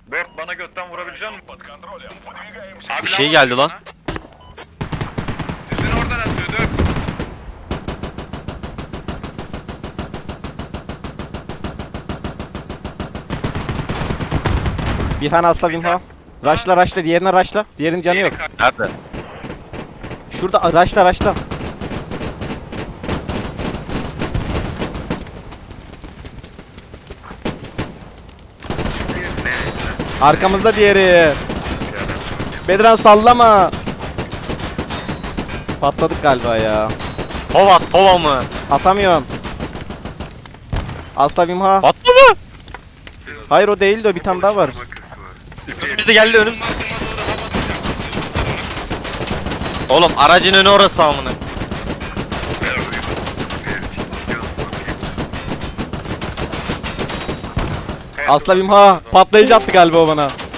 Bört bana götten vurabilecek misin? Bir şey geldi lan. Sizin oradan atıyor dur. Bir tane asla Wimha. Rushla diğerine rushla. Diğerinin canı yok. Nerede? Şurada rushla. Arkamızda diğeri. Bedran sallama. Patladık galiba ya. Tova mı? Atamıyorum. Asla Wimha. Patlı mı? Hayır o değil de bir tane daha var. Önümüzde geldi önümüzde. Oğlum aracın önü orası amına. Asla Wimha. Patlayıcı attı galiba o bana.